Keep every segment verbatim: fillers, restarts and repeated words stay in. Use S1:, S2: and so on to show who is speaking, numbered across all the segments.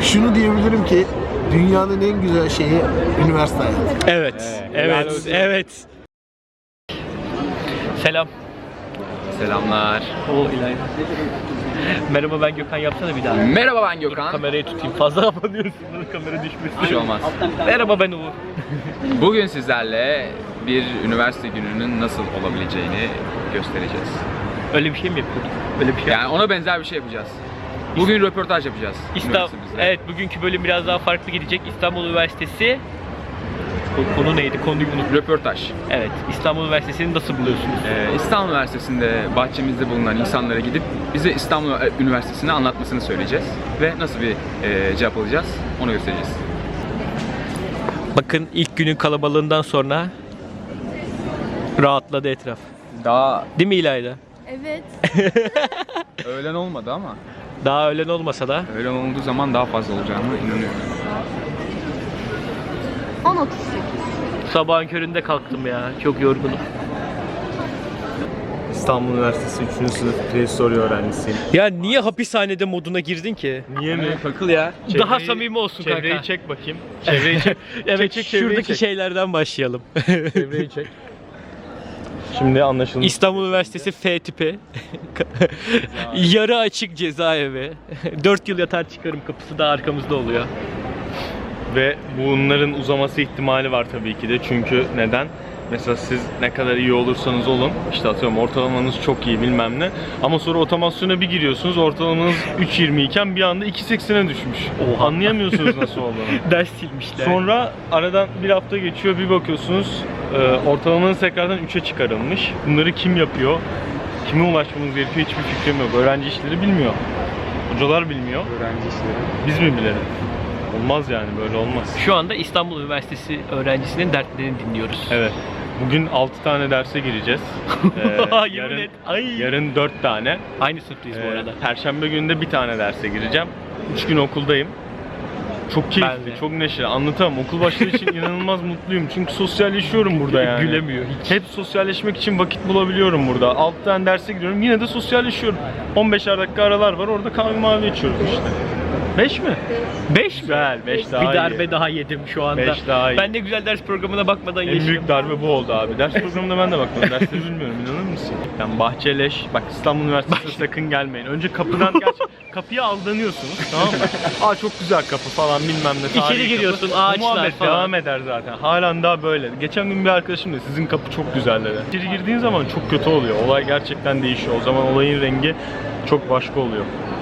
S1: şunu diyebilirim ki dünyanın en güzel şeyi üniversite hayatı.
S2: Evet, evet, evet. evet. Selam.
S3: Selamlar.
S2: O İlayda. Merhaba, ben Gökhan, yapsana bir daha.
S3: Merhaba, ben Gökhan.
S2: Kamerayı tutayım. Fazla kapanıyorsun. Kamera düşmesin.
S3: Bir şey olmaz.
S2: Merhaba, ben Uğur.
S3: Bugün sizlerle bir üniversite gününün nasıl olabileceğini göstereceğiz.
S2: Öyle bir şey mi yapıyorduk? Öyle bir şey.
S3: Yani ona benzer bir şey yapacağız. Bugün röportaj yapacağız.
S2: İstanbul. Evet, bugünkü bölüm biraz daha farklı gidecek. İstanbul Üniversitesi. Konu neydi? Konuyu unuttum.
S3: Röportaj.
S2: Evet. İstanbul Üniversitesi'ni nasıl buluyorsunuz?
S3: Ee, İstanbul Üniversitesi'nde bahçemizde bulunan insanlara gidip bize İstanbul Üniversitesi'ni anlatmasını söyleyeceğiz. Ve nasıl bir e, cevap alacağız onu göstereceğiz.
S2: Bakın, ilk günün kalabalığından sonra rahatladı etraf.
S3: Daha
S2: Değil mi İlayda?
S4: Evet.
S3: öğlen olmadı ama
S2: Daha öğlen olmasa da.
S3: öğlen olduğu zaman daha fazla olacağını inanıyorum.
S4: on otuz sekiz.
S2: Sabahın köründe kalktım ya. Çok yorgunum.
S5: İstanbul Üniversitesi üçüncü sınıf prehistorya öğrencisiyim.
S2: Ya niye hapishanede moduna girdin ki?
S5: Niye mi?
S3: Takıl ya.
S2: Daha samimi olsun kanka.
S5: Çevreyi çek bakayım. Çevreyi çek.
S2: Evet,
S5: çek, çek, çevreyi
S2: şuradaki
S5: çek.
S2: şeylerden başlayalım.
S5: Çevreyi çek. Şimdi anlaşıldı.
S2: İstanbul Üniversitesi F tipi. Yarı açık cezaevi. dört yıl yatar çıkarım kapısı da arkamızda oluyor.
S5: Ve bunların uzaması ihtimali var tabii ki de. Çünkü neden? Mesela siz ne kadar iyi olursanız olun, işte atıyorum ortalamanız çok iyi bilmem ne. Ama sonra otomasyona bir giriyorsunuz, ortalamanız üç yirmi iken bir anda iki seksene düşmüş.
S2: Oha.
S5: Anlayamıyorsunuz nasıl olduğunu.
S2: Ders silmişler.
S5: Sonra aradan bir hafta geçiyor, bir bakıyorsunuz e, ortalamanız tekrardan üçe çıkarılmış. Bunları kim yapıyor? Kime ulaşmamız gerekiyor hiçbir fikrim yok. Öğrenci işleri bilmiyor. Hocalar bilmiyor.
S3: Öğrenci işleri.
S5: Biz mi bilelim? Olmaz yani, böyle olmaz.
S2: Şu anda İstanbul Üniversitesi öğrencisinin dertlerini dinliyoruz.
S5: Evet. Bugün altı tane derse gireceğiz. Ee,
S2: Yemin
S5: yarın,
S2: et. Ay.
S5: yarın dört tane.
S2: Aynı sınıftayız bu
S5: Ee,
S2: arada.
S5: Perşembe günü de bir tane derse gireceğim. üç gün okuldayım. Çok
S2: Ben
S5: keyifli,
S2: de.
S5: çok neşeli. Anlatamam. Okul başladığı için inanılmaz mutluyum. Çünkü sosyalleşiyorum burada yani.
S2: Gülemiyor hiç.
S5: Hep sosyalleşmek için vakit bulabiliyorum burada. altı tane derse giriyorum. Yine de sosyalleşiyorum. on beşer dakika aralar var. Orada kahve mavi içiyoruz işte. beş mi?
S2: beş mi?
S5: Güzel. beş daha
S2: Bir
S5: iyi.
S2: darbe daha yedim şu anda.
S5: beş daha iyi.
S2: Ben ne güzel ders programına bakmadan
S5: En
S2: yaşadım.
S5: büyük darbe bu oldu abi. Ders programında ben de bakmadım. Dersleri bilmiyorum. İnanır mısın? Yani bahçeleş. Bak, İstanbul Üniversitesi'ne sakın gelmeyin. Önce kapıdan geç. Kapıya aldanıyorsunuz. Tamam mı? Aa, çok güzel kapı falan bilmem ne. tarihi
S2: İçeri giriyorsun,
S5: kapı.
S2: ağaçlar
S5: Bu muhabbet
S2: falan.
S5: devam eder zaten. Halen daha böyle. Geçen gün bir arkadaşım da sizin kapı çok güzel dedi. İçeri girdiğin zaman çok kötü oluyor. Olay gerçekten değişiyor. O zaman olayın rengi çok başka oluyor.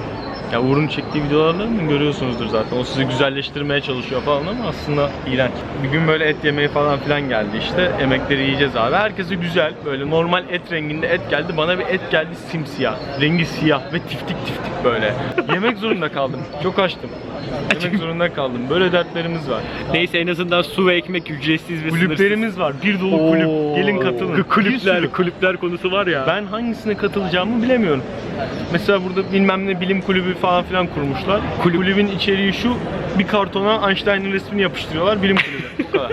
S5: Ya Uğur'un çektiği videolarını görüyorsunuzdur zaten. O sizi güzelleştirmeye çalışıyor falan ama aslında iğrenç. Bir gün böyle et yemeği falan filan geldi işte. Yemekleri yiyeceğiz abi. Herkese güzel. Böyle normal et renginde et geldi. Bana bir et geldi simsiyah. Rengi siyah ve tiftik tiftik böyle. Yemek zorunda kaldım. Çok açtım. Yemek zorunda kaldım. Böyle dertlerimiz var.
S2: Neyse, en azından su ve ekmek ücretsiz ve
S5: Kulüplerimiz var. Bir dolu
S2: Oo.
S5: kulüp. Gelin katılın. Bir
S2: Kulüpler,
S5: sürü.
S2: kulüpler konusu var ya.
S5: Ben hangisine katılacağımı bilemiyorum. Mesela burada bilmem ne bilim kulübü falan filan kurmuşlar. Kulübün içeriği şu: bir kartona Einstein'ın resmini yapıştırıyorlar, bilim kulübü. Bu kadar.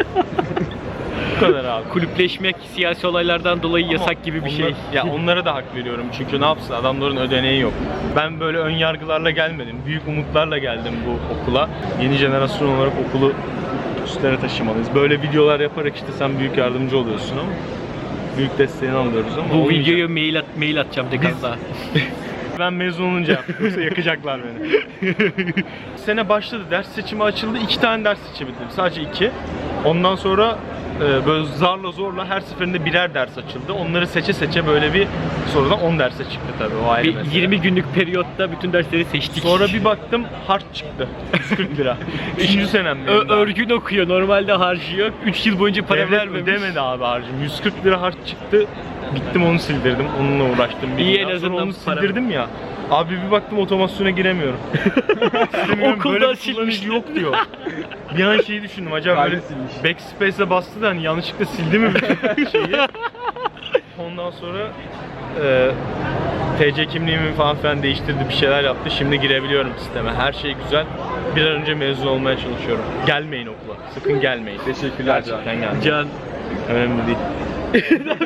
S5: Bu kadar abi.
S2: Kulüpleşmek siyasi olaylardan dolayı
S5: Ama
S2: yasak gibi bir
S5: onlar-
S2: şey.
S5: Ya onlara da hak veriyorum çünkü ne yapsın, adamların ödeneği yok. Ben böyle ön yargılarla gelmedim. Büyük umutlarla geldim bu okula. Yeni jenerasyon olarak okulu üstlere taşımalıyız. Böyle videolar yaparak işte sen büyük yardımcı oluyorsun ama büyük desteğini alıyoruz ama
S2: Bu
S5: olmayacak.
S2: videoyu mail, at, mail atacağım dekanda.
S5: Ben mezun olunca yaptım. Yoksa yakacaklar beni. Sene başladı. Ders seçimi açıldı. İki tane ders seçebildim. Sadece iki. Ondan sonra e, böyle zarla zorla her seferinde birer ders açıldı. Onları seçe seçe böyle bir sonradan on derse çıktı tabii. O ayrı
S2: Bir
S5: mesele.
S2: yirmi günlük periyotta bütün dersleri seçtik.
S5: Sonra bir baktım harç çıktı. yüz kırk lira. Üçüncü senem benim
S2: Ö-
S5: daha.
S2: örgün okuyor. Normalde harcıyor. üç yıl boyunca para
S5: Devlet
S2: vermemiş.
S5: ödemedi abi harcım. yüz kırk lira harç çıktı. Gittim onu sildirdim. Onunla uğraştım. Bir
S2: İyi,
S5: gün.
S2: en
S5: Sonra
S2: azından
S5: onu
S2: para-
S5: sildirdim ya. Abi bir baktım otomasyona giremiyorum. Silemiyorum,
S2: Okuldan
S5: böyle bir
S2: silmiş.
S5: kullanıcı yok diyor. Bir an şeyi düşündüm, acaba böyle backspace'e bastı da hani yanlışlıkla sildi mi bütün şeyi. Ondan sonra e, T C kimliğimi falan filan değiştirdi, bir şeyler yaptı. Şimdi girebiliyorum sisteme. Her şey güzel. Bir an önce mezun olmaya çalışıyorum. Gelmeyin okula. Sakın gelmeyin.
S3: Teşekkürler Can.
S5: Gerçekten gelmeyin.
S2: Can.
S5: Önemli değil.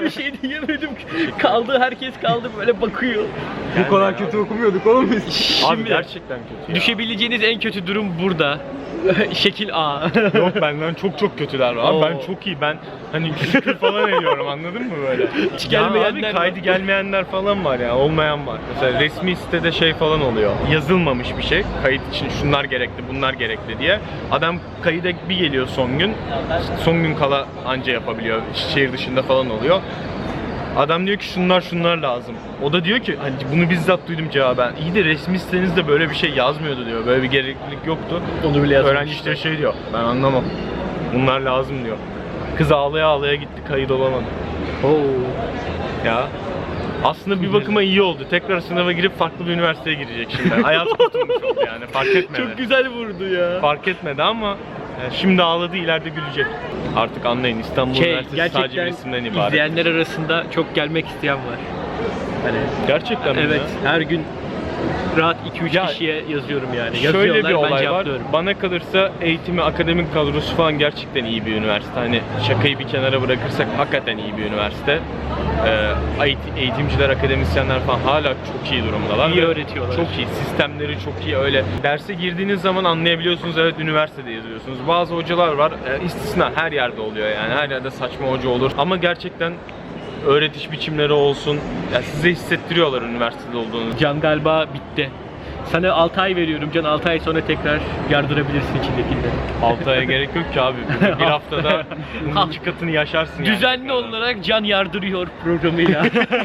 S2: bir şey diyemedim. Kaldı, herkes kaldı böyle bakıyor.
S1: Bu kadar kötü okumuyorduk oğlum biz.
S5: Abi
S2: Şimdi
S5: gerçekten kötü ya.
S2: düşebileceğiniz en kötü durum burada. Şekil A.
S5: Yok benden çok çok kötüler var. Abi
S2: Oo.
S5: ben çok iyi. Ben hani şükür falan ediyorum anladın mı böyle?
S2: Hiç
S5: Ya
S2: gelmeyenler
S5: abi kaydı
S2: var.
S5: gelmeyenler falan var ya. Olmayan var. Mesela resmi sitede şey falan oluyor. Yazılmamış bir şey. Kayıt için şunlar gerekli, bunlar gerekli diye. Adam kayıda bir geliyor son gün. Son gün kala anca yapabiliyor. Şehir dışında falan oluyor. Adam diyor ki şunlar şunlar lazım. O da diyor ki hani bunu bizzat duydum cevaben. İyi de resmi sitenizde böyle bir şey yazmıyordu diyor. Böyle bir gereklilik yoktu.
S2: Onu bile yazmış.
S5: Öğrenci işte şey diyor. Ben anlamam. Bunlar lazım diyor. Kız ağlaya ağlaya gitti, kayıt olamadı.
S2: Oo.
S5: Ya. Aslında bir bakıma iyi oldu. Tekrar sınava girip farklı bir üniversiteye girecek şimdi. Hayat kurtulmuş oldu yani. Fark etmedi.
S2: Çok güzel vurdu ya.
S5: Fark etmedi ama yani şimdi ağladı, ileride gülecek. Artık anlayın, İstanbul
S2: Şey,
S5: Üniversitesi sadece
S2: gerçekten
S5: resimden ibaret.
S2: izleyenler arasında çok gelmek isteyen var. Hani
S5: Gerçekten mi
S2: evet,
S5: ya?
S2: her gün rahat iki üç
S5: Ya,
S2: kişiye yazıyorum yani.
S5: Şöyle bir
S2: Yazıyorlar, ben
S5: olay var.
S2: cevaplıyorum.
S5: Bana kalırsa eğitimi, akademik kadrosu falan gerçekten iyi bir üniversite. Hani şakayı bir kenara bırakırsak hakikaten iyi bir üniversite. Ee, eğit- eğitimciler, akademisyenler falan hala çok iyi durumdalar.
S2: İyi
S5: Ve
S2: öğretiyorlar.
S5: Çok iyi. Sistemleri çok iyi. Öyle derse girdiğiniz zaman anlayabiliyorsunuz. Evet, üniversitede yazıyorsunuz. Bazı hocalar var. E, istisna her yerde oluyor yani. Her yerde saçma hoca olur. Ama gerçekten öğretiş biçimleri olsun. Ya size hissettiriyorlar üniversitede olduğunuzu.
S2: Can galiba bitti. Sana altı ay veriyorum Can, altı ay sonra tekrar yardırabilirsin içindekileri.
S5: altı aya gerek yok ki abi. Bir, bir haftada bunun iki katını yaşarsın yani.
S2: Düzenli olarak Can yardırıyor programıyla.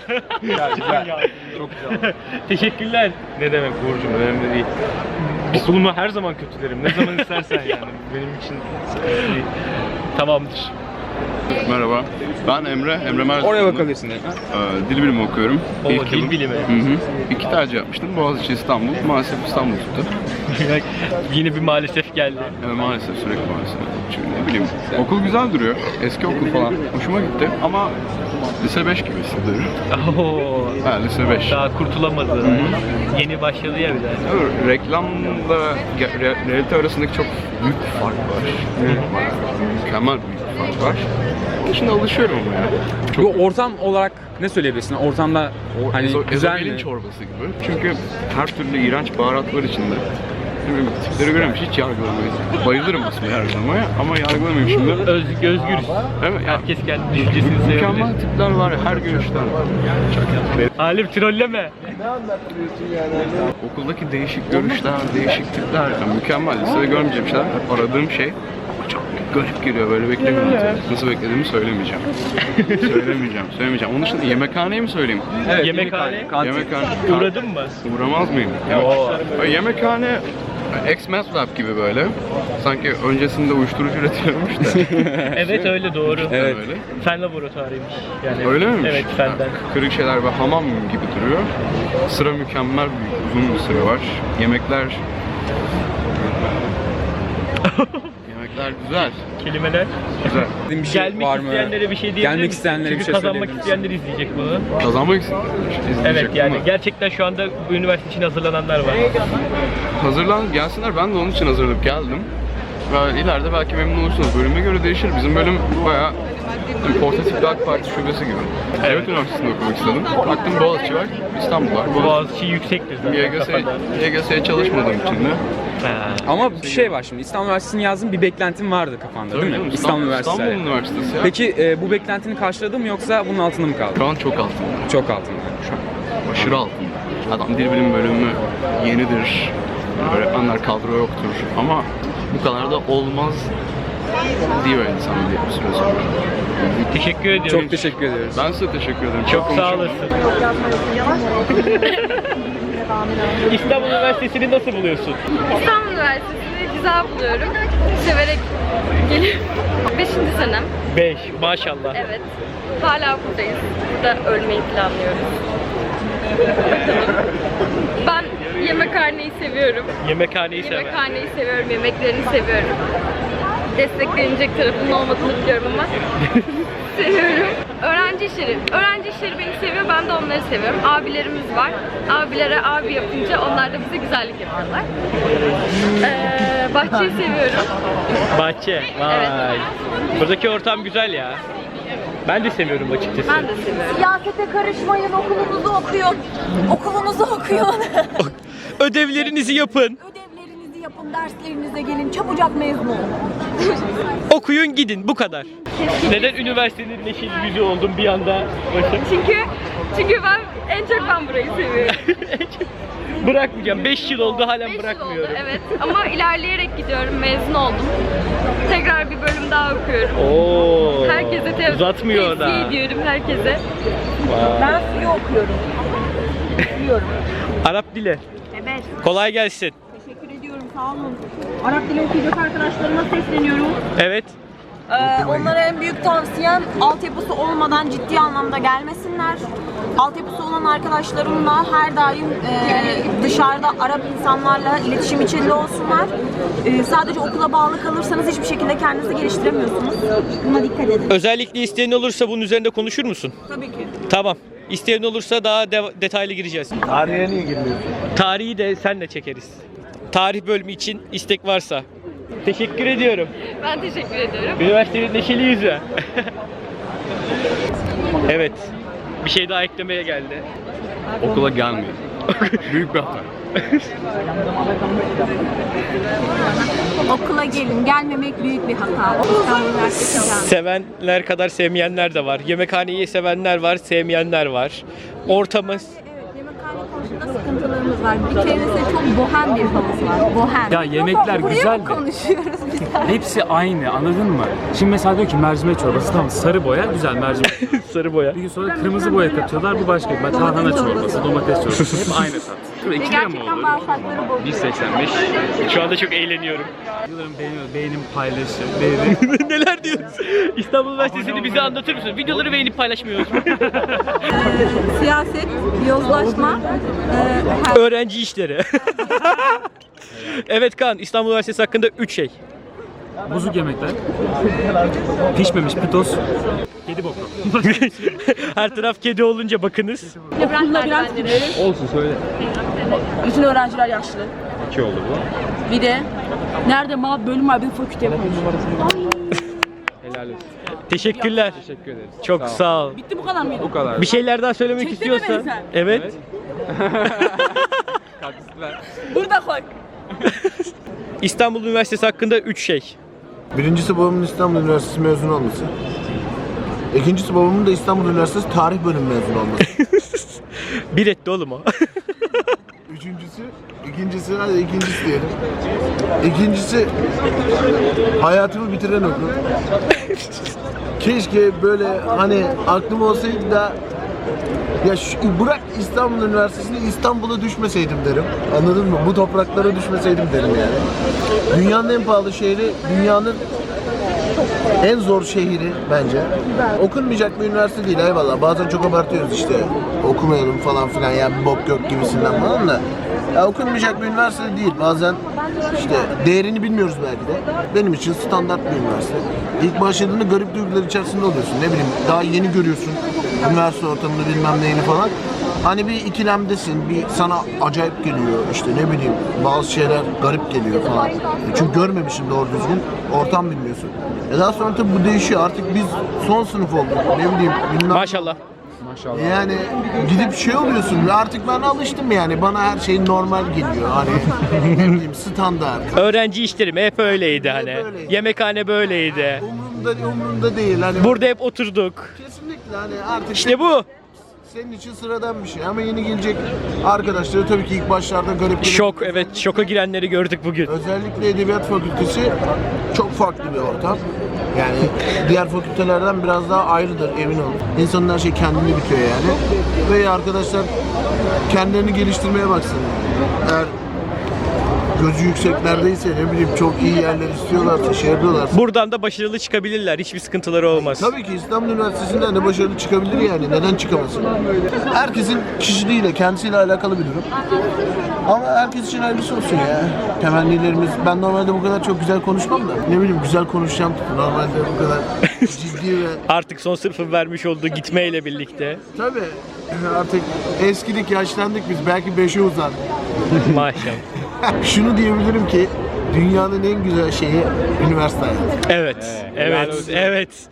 S5: Çok güzel.
S2: Teşekkürler.
S5: Ne demek Uğurcuğum, önemli değil. Okulumu her zaman kötülerim. Ne zaman istersen yani. Benim için sıkıntı değil.
S2: Tamamdır.
S6: Merhaba, ben Emre, Emre Mersin.
S1: Oraya bakabilirsin.
S6: Ee, dil bilimi okuyorum.
S2: Oo,
S6: İlk
S2: dil
S6: yılım.
S2: bilimi.
S6: Hı hı. İki tercih yapmıştım, Boğaziçi İstanbul. Maalesef İstanbul tuttu.
S2: Yine bir maalesef geldi.
S6: Evet, maalesef, sürekli maalesef. Çünkü ne bileyim, okul güzel duruyor. Eski okul falan. Hoşuma gitti ama lise beş gibi hissediyorum.
S2: Oo,
S6: Ha, lise beş.
S2: daha kurtulamadı. Yeni başladı ya bir de.
S6: Evet, reklamla ge- re- realite arasındaki çok büyük bir fark var. Bayağı mükemmel büyük bir fark var. Şimdi alışıyorum ama ya. Çok
S7: Bu ortam olarak ne söyleyebilirsin? Ortamda
S6: O
S7: hani
S6: ezo-
S7: güzel
S6: ezogelin
S7: mi?
S6: çorbası gibi. Çünkü her türlü iğrenç baharatlar içinde. Şimdi tipleri görüyorum, hiç yargılamayız. Bayılırım aslında yargılamaya ama yargılamayayım şimdi.
S2: Öz, özgürüz.
S6: Evet, ya,
S2: Herkes kendi düşüncesini sevebilir.
S6: mükemmel tipler var ya, her görüşten.
S2: Halim trolleme.
S6: Okuldaki değişik görüşler, değişik tipler. Yani mükemmel. Lisede görmeyeceğim şeyler. Hep aradığım şey çok garip geliyor, böyle beklemiyorum. Nasıl beklediğimi söylemeyeceğim. söylemeyeceğim, söylemeyeceğim. Onun dışında yemekhaneyi mi söyleyeyim?
S7: Evet,
S2: Yemekhane.
S7: kantin.
S6: Yemekhane.
S2: Uğradın mı?
S6: Uğramaz mıyım? Yemek- Yemekhane ex-math lab gibi böyle. Sanki öncesinde uyuşturucu üretiliyormuş da.
S2: Evet öyle doğru.
S7: Evet.
S6: Öyle.
S2: Fen laboratuvarıymış. Yani
S6: Öyle miymiş?
S2: Evet fenden.
S6: Kırık şeyler ve hamam gibi duruyor. Sıra mükemmel büyük, uzun bir sıra var. Yemekler... Yemekler güzel.
S2: Kelimeler.
S6: Güzel.
S7: Bir şey
S2: Gelmek
S7: var mı?
S2: isteyenlere bir şey diyebilir
S7: Gelmek
S2: misin?
S7: isteyenlere
S2: Çünkü
S7: bir şey
S2: kazanmak
S7: söyleyebilir misin?
S2: isteyenler izleyecek bunu.
S6: Kazanmak istedim.
S2: Evet yani gerçekten şu anda bu üniversite için hazırlananlar var.
S6: Hazırlan gelsinler, ben de onun için hazırlanıp geldim. Ve ileride belki memnun olursunuz. Bölüme göre değişir. Bizim bölüm bayağı portatif bir AK Parti şubesi gibi. Evet, üniversitesinde okumak istedim. Baktım Boğaziçi var, İstanbul var.
S2: Bu Boğaziçi yüksektir zaten
S6: Y G S,
S2: kafada.
S6: Y G S'ye çalışmadığım için de.
S2: Ha.
S7: Ama bir şey var şimdi. İstanbul Üniversitesi'ni yazdın, bir beklentin vardı kafanda değil mi?
S6: Canım,
S7: İstanbul Üniversitesi.
S6: İstanbul Üniversitesi ya.
S7: Peki e, bu beklentini karşıladı mı yoksa bunun altında mı kaldı?
S6: Şu an çok altında.
S7: Çok altında.
S6: Şu an aşırı altında. Adam dil bilim bölümü yenidir. Öğretmenler kadro yoktur. Ama bu kadar da olmaz diyor insan diye bir süre sonra.
S2: Teşekkür ediyorum.
S7: Çok teşekkür ediyoruz.
S6: Ben size teşekkür ederim.
S2: Çok sağ
S6: konuşuyorum.
S2: olasın. İstanbul Üniversitesi'ni nasıl buluyorsun?
S4: İstanbul Üniversitesi'ni güzel buluyorum. Severek geliyorum. Beşinci senem.
S2: beş maşallah.
S4: Evet. Hala buradayız. Burada ölmeyi planlıyoruz. Bakalım. Ben yemekhaneyi seviyorum.
S2: Yemekhaneyi sever.
S4: Yemekhaneyi seviyorum, yemeklerini seviyorum. Desteklenecek tarafının olmadığını biliyorum ama seviyorum. Öğrenci işleri. Öğrenci işleri beni seviyor, ben de onları seviyorum. Abilerimiz var. Abilere abi yapınca onlar da bize güzellik yapıyorlar. Ee, bahçeyi seviyorum.
S2: Bahçe. Vay.
S4: Evet.
S2: Buradaki ortam güzel ya. Ben de seviyorum açıkçası.
S4: Ben de seviyorum.
S8: Siyasete karışmayın, okulunuzu okuyun. Okulunuzu okuyun.
S2: Ödevlerinizi yapın.
S8: Ödevlerinizi yapın, derslerinize gelin. Çabucak mezun olun.
S2: Okuyun gidin bu kadar. Neden üniversitenin neşeli yüzü oldum bir anda? Bakın.
S4: Çünkü çünkü ben en çok ben burayı seviyorum.
S2: Bırakmayacağım. beş yıl oldu halen
S4: Beş yıl
S2: bırakmıyorum.
S4: oldu, evet. Ama ilerleyerek gidiyorum. Mezun oldum. Tekrar bir bölüm daha okuyorum.
S2: Oo.
S4: Herkese te-
S2: uzatmıyor da.
S4: tavsiye ediyorum herkese.
S8: Ben suyu okuyorum. Biliyorum.
S2: Arap dili.
S8: Evet.
S2: Kolay gelsin.
S8: Teşekkür ediyorum, sağ olun. Arap dili okuyacak arkadaşlarıma sesleniyorum.
S2: Evet.
S8: Ee, onlara en büyük tavsiyem altyapısı olmadan ciddi anlamda gelmesinler. Altyapısı olan arkadaşlarımla her daim e, dışarıda Arap insanlarla iletişim içinde olsunlar. E, sadece okula bağlı kalırsanız hiçbir şekilde kendinizi geliştiremiyorsunuz. Buna dikkat edin.
S2: Özellikle isteyen olursa bunun üzerinde konuşur musun?
S8: Tabii ki.
S2: Tamam. İsteyen olursa daha de- detaylı gireceğiz.
S1: Tarihe niye girmiyorsun?
S2: Tarihi de senle çekeriz. Tarih bölümü için istek varsa. Teşekkür ediyorum.
S4: Ben teşekkür ediyorum.
S2: Üniversitenin neşeli yüzü. Evet. Bir şey daha eklemeye geldi.
S6: Okula gelmiyor. Büyük bir hata.
S8: Okula gelin. Gelmemek büyük bir hata. Okul üniversitesi gelin.
S2: Sevenler kadar sevmeyenler de var. Yemekhaneyi sevenler var, sevmeyenler var. Ortamız.
S8: Evet, yemekhane konusunda sıkıntılarımız var. Bir keresinde çok bohem bir havuz var. Bohem.
S9: Ya yemekler
S8: Buraya
S9: güzel
S8: mı
S9: de.
S8: konuşuyoruz biz?
S9: Hepsi aynı, anladın mı? Şimdi mesela diyor ki mercimek çorbası, tamam, sarı boya güzel mercimek.
S2: Sarı boya.
S9: Bir gün sonra kırmızı boya katıyorlar, bu başka. Ben tarhana çorbası, domates çorbası, hep aynı tat.
S8: Ve gerçekten bağırsakları bozuyor.
S3: bir seksen beş.
S2: Şu anda çok eğleniyorum.
S9: Videolarımı beğeniyor, beğenim paylaşır, beğenim.
S2: Neler diyorsun? İstanbul Üniversitesi'ni bize anlatır mısın? Videoları beğenip paylaşmıyoruz.
S8: Siyaset, yozlaşma, e,
S2: Öğrenci işleri. Evet Kaan, İstanbul Üniversitesi hakkında üç şey.
S9: Bozuk yemekler, pişmemiş pitos, kedi boku.
S2: Her taraf kedi olunca bakınız.
S8: okulda biraz
S9: Olsun söyle.
S8: bütün öğrenciler yaşlı.
S9: İki oldu bu.
S8: Bir de nerede ma bölüm var, bir fakülte yapıyoruz.
S3: Helal olsun.
S2: Teşekkürler.
S3: Teşekkür ederiz.
S2: Çok sağ ol.
S8: Bitti bu kadar mıydı?
S3: Bu kadar.
S2: Bir şeyler daha söylemek
S8: Çektin mi
S2: istiyorsan.
S8: beni sen?
S2: Evet.
S8: Burada koy.
S2: İstanbul Üniversitesi hakkında üç şey.
S1: Birincisi babamın İstanbul Üniversitesi mezunu olması. İkincisi babamın da İstanbul Üniversitesi tarih bölümü mezunu olması.
S2: Bir etti oğlum o.
S1: Üçüncüsü, ikincisi, hadi ikincisi diyelim. İkincisi, hayatımı bitiren okul. Keşke böyle hani aklım olsaydı da ya şu, bırak İstanbul Üniversitesi'ni İstanbul'a düşmeseydim derim. Anladın mı? Bu topraklara düşmeseydim derim yani. Dünyanın en pahalı şehri, dünyanın en zor şehri bence. Okunmayacak bir üniversite değil, eyvallah. Bazen çok abartıyoruz işte. Okumayalım falan filan ya, bir bok yok gibisinden falan da. Ya okunmayacak bir üniversite değil. Bazen işte değerini bilmiyoruz belki de. Benim için standart bir üniversite. İlk başladığında garip duygular içerisinde oluyorsun. Ne bileyim, daha yeni görüyorsun üniversite ortamını, bilmem neyini falan. Hani bir ikilemdesin, bir sana acayip geliyor, işte ne bileyim bazı şeyler garip geliyor falan. E çünkü görmemişsin doğru düzgün, ortam bilmiyorsun. E daha sonra tabii bu değişiyor, artık biz son sınıf olduk, ne bileyim bilmem.
S2: Maşallah.
S1: Yani gidip şey oluyorsun, artık ben alıştım yani, bana her şey normal geliyor, hani ne bileyim standart.
S2: Öğrenci işlerim hep öyleydi hani.
S1: böyleydi.
S2: Yemekhane böyleydi.
S1: Umurumda, umurumda değil hani.
S2: Burada hep oturduk.
S1: Kesinlikle hani artık
S2: İşte bu.
S1: senin için sıradan bir şey ama yeni gelecek arkadaşları tabii ki ilk başlarda garip.
S2: Şok, evet, şoka girenleri gördük bugün.
S1: Özellikle Edebiyat Fakültesi çok farklı bir ortam. Yani diğer fakültelerden biraz daha ayrıdır, emin olun. İnsanın her şey kendini bitiyor yani. Ve arkadaşlar kendilerini geliştirmeye baksın. Eğer gözü yükseklerdeyse, ne bileyim çok iyi yerler istiyorlarsa, şey yapıyorlarsa.
S2: Buradan da başarılı çıkabilirler. Hiçbir sıkıntıları olmaz.
S1: Tabii ki İstanbul Üniversitesi'nden de başarılı çıkabilir yani. Neden çıkamasın? Herkesin kişiliğiyle, kendisiyle alakalı bir durum. Ama herkes için hayırlısı olsun ya. Temennilerimiz. Ben normalde bu kadar çok güzel konuşmam da. Ne bileyim güzel konuşacağım. Normalde bu kadar ciddi ve...
S2: Artık son sınıfın vermiş olduğu gitmeyle birlikte.
S1: Tabii artık eskidik, yaşlandık biz. Belki beşe uzar.
S2: Maşallah.
S1: Şunu diyebilirim ki dünyanın en güzel şeyi üniversite hayatı.
S2: Evet, evet, evet.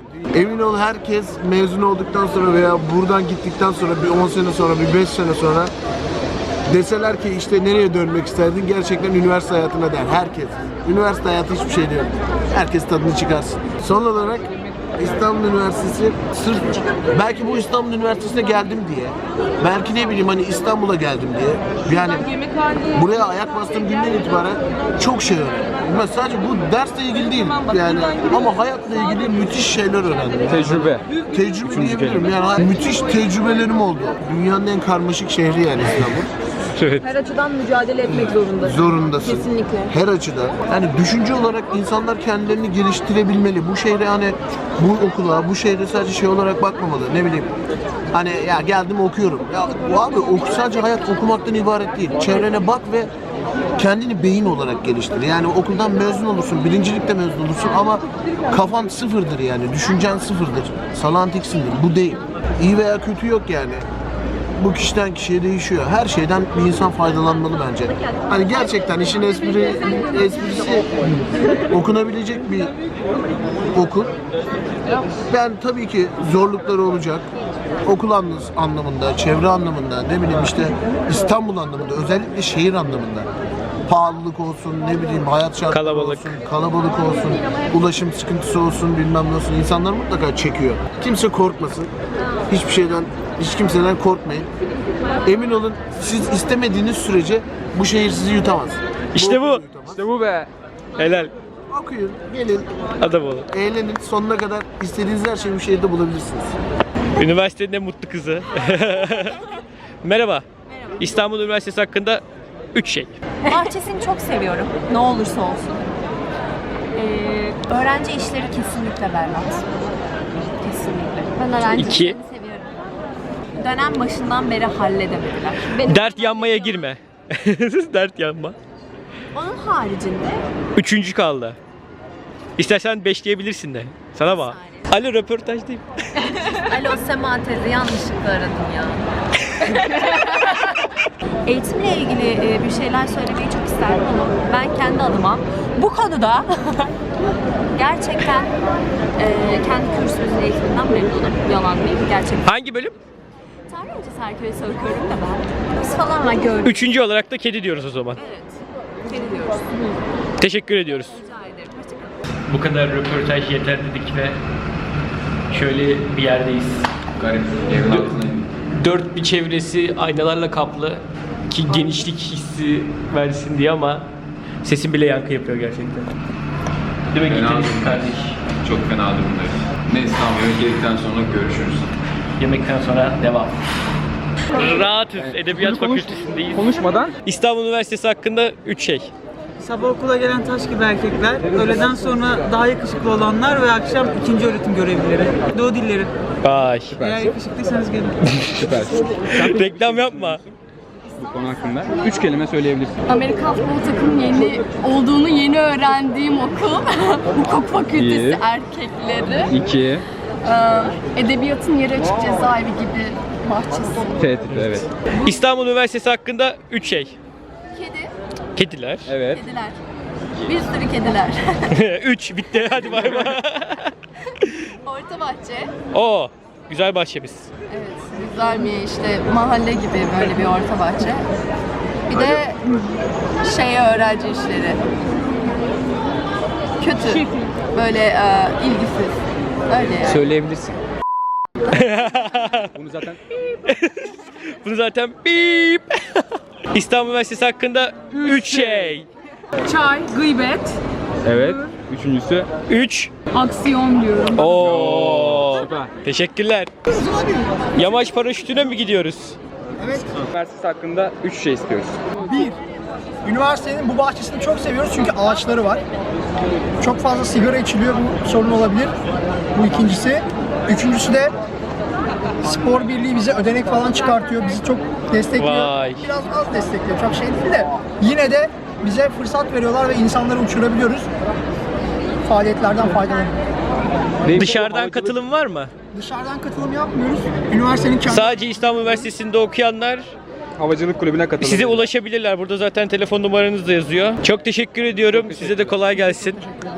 S1: Emin ol herkes mezun olduktan sonra veya buradan gittikten sonra bir on sene sonra, bir beş sene sonra deseler ki işte nereye dönmek isterdin, gerçekten üniversite hayatına der herkes. Üniversite hayatı hiçbir şey değil. Herkes tadını çıkarsın. Son olarak İstanbul Üniversitesi sırf belki bu İstanbul Üniversitesi'ne geldim diye, belki ne bileyim hani İstanbul'a geldim diye, yani buraya ayak bastığım günden itibaren çok şey öğrendim. Ben sadece bu dersle ilgili değil yani ama hayatla ilgili müthiş şeyler öğrendim.
S7: Tecrübe.
S1: Tecrübe diyebilirim yani müthiş tecrübelerim oldu. Dünyanın en karmaşık şehri yani İstanbul.
S2: Evet.
S8: Her açıdan mücadele etmek zorundasın.
S1: Zorundasın.
S8: Kesinlikle.
S1: Her açıdan. Yani düşünce olarak insanlar kendilerini geliştirebilmeli. Bu şehre hani bu okula, bu şehre sadece şey olarak bakmamalı. Ne bileyim. Hani ya geldim okuyorum. Ya bu abi oku, sadece hayat okumaktan ibaret değil. Çevrene bak ve kendini beyin olarak geliştir. Yani okuldan mezun olursun, birincilikte mezun olursun ama kafan sıfırdır yani. Düşüncen sıfırdır. Salantiksindir. Bu değil. İyi veya kötü yok yani. Bu kişiden kişiye değişiyor. Her şeyden bir insan faydalanmalı bence. Hani gerçekten işin espri, esprisi okunabilecek bir okul. Ben tabii ki zorlukları olacak. Okul anlamında, çevre anlamında, ne bileyim işte İstanbul anlamında, özellikle şehir anlamında. Pahalılık olsun, ne bileyim hayat şartları
S2: Kalabalık.
S1: olsun, kalabalık olsun, ulaşım sıkıntısı olsun, bilmem ne olsun. İnsanlar mutlaka çekiyor. Kimse korkmasın. Hiçbir şeyden, hiç kimseden korkmayın. Emin olun siz istemediğiniz sürece bu şehir sizi yutamaz.
S2: İşte bu.
S1: okulu yutamaz.
S7: İşte bu be.
S2: Helal.
S1: Okuyun, gelin,
S2: Adam olun.
S1: eğlenin. Sonuna kadar istediğiniz her şeyi bu şehirde bulabilirsiniz.
S2: Üniversitenin en mutlu kızı. Merhaba. İstanbul Üniversitesi hakkında üç şey.
S8: Bahçesini çok seviyorum. Ne olursa olsun. Ee, öğrenci işleri kesinlikle berbat. Kesinlikle. Ben öğrenci
S2: İki.
S8: işlerini seviyorum. Dönem başından beri halledemediler. Benim
S2: Dert yanmaya girme. Dert yanma.
S8: Onun haricinde
S2: Üçüncü kaldı. İstersen beşleyebilirsin de. Sana bak. Alo röportajdayım.
S8: Alo Sema teyze yanlışlıkla aradım ya. Eğitimle ilgili e, bir şeyler söylemeyi çok isterdim ama ben kendi adıma bu konuda gerçekten e, kendi kürsümüzün eğitiminden memnunum. Yalan değil, gerçekten.
S2: Hangi bölüm?
S8: Tarih öncesi herkese okuyorum da ben. Biz falan var gördüm.
S2: Üçüncü olarak da kedi diyoruz o zaman.
S8: Evet. Seni diyoruz.
S2: Teşekkür ediyoruz.
S8: Rica ederim. Hoşçakalın.
S2: Bu kadar röportaj yeter dedik ve şöyle bir yerdeyiz.
S3: Garip. Evin altına.
S2: Dört bir çevresi aynalarla kaplı ki genişlik hissi versin diye ama sesim bile yankı yapıyor gerçekten. Değil mi
S3: Fena
S2: gitarist
S3: durumdayız.
S2: kardeş?
S3: Çok fena durumdayız. Neyse tamam yemek yedikten sonra görüşürüz.
S2: Yemekten sonra devam. Rahatız. Edebiyat
S7: Konuş-
S2: Fakültesindeyiz.
S7: Konuşmadan
S2: İstanbul Üniversitesi hakkında üç şey.
S10: Sabah okula gelen taş gibi erkekler, öğleden sonra daha yakışıklı olanlar ve akşam ikinci öğretim görevlileri. Doğu dilleri.
S2: Ay.
S10: Eğer yakışıklıysanız gelin.
S7: süpersin.
S2: Reklam yapma.
S7: Bu konu hakkında üç kelime söyleyebilirsin.
S11: Amerikan futbol takımının yeni olduğunu yeni öğrendiğim okul. Hukuk fakültesi
S7: İyi.
S11: erkekleri.
S7: İki.
S11: Ee, edebiyatın yeri açık cezaevi gibi bahçesi.
S7: T tipi evet.
S2: İstanbul Üniversitesi hakkında üç şey.
S11: Kedi,
S2: Kediler.
S7: Evet.
S11: kediler. Bir sürü kediler.
S2: Üç bitti. Hadi bay bay.
S11: Orta bahçe.
S2: Oo, güzel bahçemiz.
S11: Evet, güzel bir işte mahalle gibi böyle bir orta bahçe. Bir de şey öğrenci işleri. Kötü. Böyle e, ilgisiz. Öyle yani.
S7: Söyleyebilirsin. Bunu zaten
S2: Bunu zaten bip. İstanbul Üniversitesi hakkında üç şey.
S11: Çay, gıybet,
S7: evet. Üçüncüsü
S2: Üç.
S11: aksiyon diyorum.
S2: Oo.
S7: süper.
S2: Teşekkürler. Yamaç paraşütüne mi gidiyoruz?
S7: Üniversitesi hakkında üç şey istiyoruz.
S12: Bir, üniversitenin bu bahçesini çok seviyoruz çünkü ağaçları var. Çok fazla sigara içiliyor, bu sorun olabilir. Bu ikincisi. Üçüncüsü de spor birliği bize ödenek falan çıkartıyor, bizi çok destekliyor.
S2: Vay.
S12: Biraz az destekliyor, çok şey değil de yine de bize fırsat veriyorlar ve insanları uçurabiliyoruz. Faaliyetlerden faydalanıyoruz.
S2: Dışarıdan katılım var mı?
S12: Dışarıdan katılım yapmıyoruz. Üniversitenin kendi...
S2: Sadece İstanbul Üniversitesi'nde okuyanlar
S7: havacılık kulübüne katılabilir.
S2: Size ulaşabilirler. Burada zaten telefon numaranız da yazıyor. Çok teşekkür ediyorum. Size de kolay gelsin.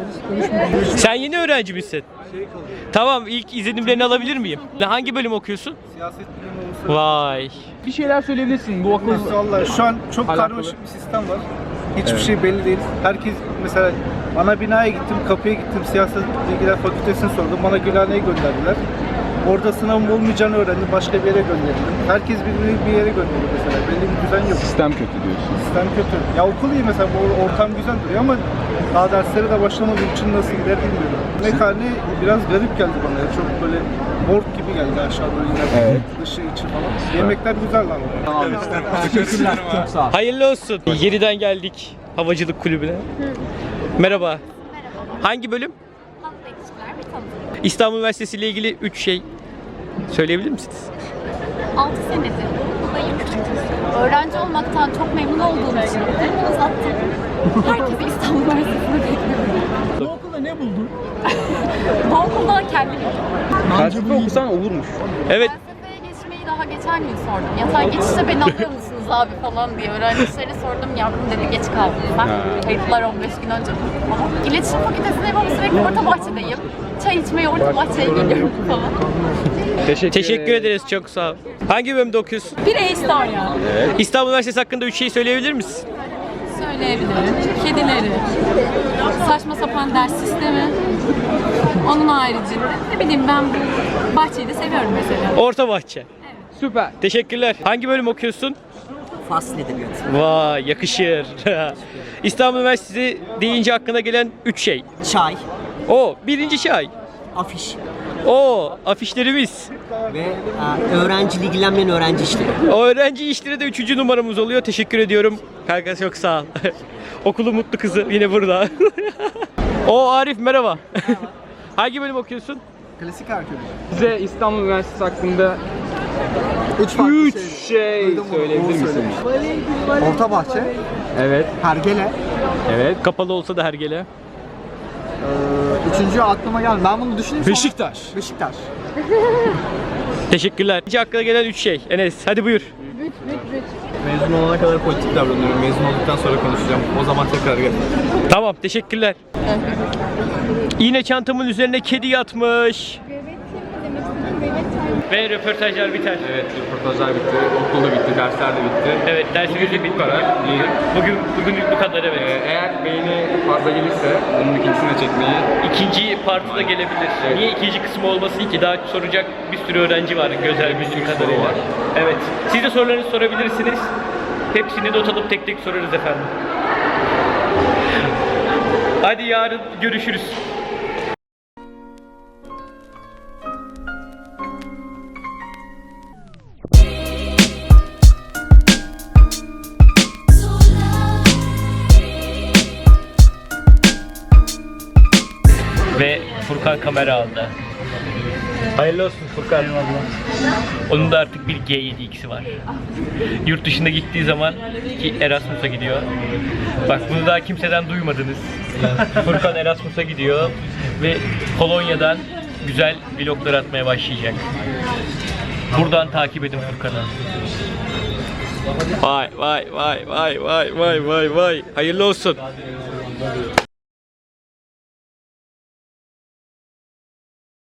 S2: Sen yeni öğrenci misin? Tamam, ilk izlenimlerini alabilir miyim? Hangi bölüm okuyorsun?
S13: Siyaset bilimi olursa.
S2: Vay.
S7: Bir şeyler söyleyebilirsin bu okul.
S13: Vallahi şu an çok
S7: Alakalı.
S13: karmaşık bir sistem var. Hiçbir şey belli değil. Herkes mesela ana binaya gittim, kapıya gittim, siyaset bilgiler fakültesini sordum. Bana Gülhane'ye gönderdiler. Orada sınavım olmayacağını öğrendim. Başka bir yere gönderildim. Herkes birbirini bir yere gönderiyor mesela. Belli bir düzen yok.
S6: Sistem kötü diyorsun.
S13: Sistem kötü. Ya okul iyi mesela, bu ortam güzel duruyor ama daha derslere de başlamadığım için nasıl gider bilmiyorum. Yemekhane biraz garip geldi bana. Ya. Çok böyle morg gibi geldi aşağıda iner.
S6: Evet.
S13: Dışı içi falan. Yemekler güzel lan.
S6: Tamam işte. Teşekkürler. Çok sağ ol.
S2: Hayırlı olsun. Yeniden geldik havacılık kulübüne. Merhaba. Hangi bölüm? İstanbul Üniversitesi ile ilgili üç şey söyleyebilir misiniz?
S11: altı senedir buradayım. Öğrenci olmaktan çok memnun olduğum için elimi uzattım. Herkesi İstanbul Üniversitesi'ne bekliyorum.
S12: Bu okulda ne buldun?
S11: Bu okulda kendimi
S7: Felsefe okusan olurmuş.
S2: Evet.
S11: felsefeye geçmeyi daha geçen gün sordum. Yatay geçişte beni alıyor musunuz abi falan diye öğrencilere sordum. Yavrum dedi geç kaldım ben. Kayıtlar on beş gün önce falan. İletişim fakültesindeyim ama sürekli orta bahçedeyim. Çay içmeye orta bahçeye geliyorum falan.
S7: Teşekkür,
S2: Teşekkür ederiz. Çok sağ ol. Hangi bölümde okuyorsun?
S11: Bir A-Star ya.
S2: İstanbul Üniversitesi hakkında üç şey söyleyebilir misin?
S11: Söyleyebilirim. Kedileri, saçma sapan ders sistemi, onun haricinde ne bileyim ben bu bahçeyi de seviyorum mesela.
S2: Orta Bahçe.
S7: Süper.
S2: Teşekkürler. Hangi bölüm okuyorsun?
S10: Fasıl edebiyatı.
S2: Vay, yakışır. İstanbul Üniversitesi deyince aklına gelen üç şey.
S10: Çay,
S2: O, birinci çay.
S10: afiş
S2: O, afişlerimiz.
S10: ve e, öğrenciyle ilgilenmeyen öğrenci işleri.
S2: O öğrenci işleri de üçüncü numaramız oluyor. Teşekkür ediyorum. Kanka çok sağ ol. Okulu mutlu kızı yine burada. O Arif merhaba. Hangi bölüm okuyorsun?
S13: Klasik arkeoloji.
S7: Size İstanbul Üniversitesi hakkında
S13: Üç farklı
S7: üç şey söyleyebilir misiniz?
S13: Orta Bahçe,
S7: Evet.
S13: Hergele.
S7: Evet.
S2: Kapalı olsa da hergele.
S13: Ee, üçüncü aklıma geldi. Ben bunu düşüneyim sonra.
S7: Beşiktaş.
S13: Beşiktaş.
S2: Teşekkürler. İkinci aklına gelen üç şey. Enes hadi buyur.
S6: Mezun olana kadar politik davranıyorum. Mezun olduktan sonra konuşacağım. O zaman tekrar gel.
S2: Tamam teşekkürler. Yine çantamın üzerine kedi yatmış. Ve röportajlar biter.
S3: Evet, röportajlar bitti, okul da bitti, dersler de bitti.
S2: Evet dersimiz de bitti.
S3: Bu kadar. İyi.
S2: Bugün bugünlük bu kadar evet.
S3: Ee, eğer beğeni fazla gelirse bunun ikincisini de çekmeyi
S2: İkinci partı da gelebilir. Niye ikinci kısmı olmasın ki? Daha soracak bir sürü öğrenci var gözel bildiğim kadarıyla.
S3: var.
S2: Evet. Siz de sorularınızı sorabilirsiniz. Hepsini not alıp tek tek sorarız efendim. Hadi yarın görüşürüz. Ve Furkan kamera aldı. Hayırlı olsun Furkan. Onun da artık bir G yedi X'i var. Yurt dışında gittiği zaman ki Erasmus'a gidiyor. Bak bunu daha kimseden duymadınız. Furkan Erasmus'a gidiyor ve Polonya'dan güzel vloglar atmaya başlayacak. Buradan takip edin Furkan'ı. Vay vay vay vay vay vay vay vay. Hayırlı olsun.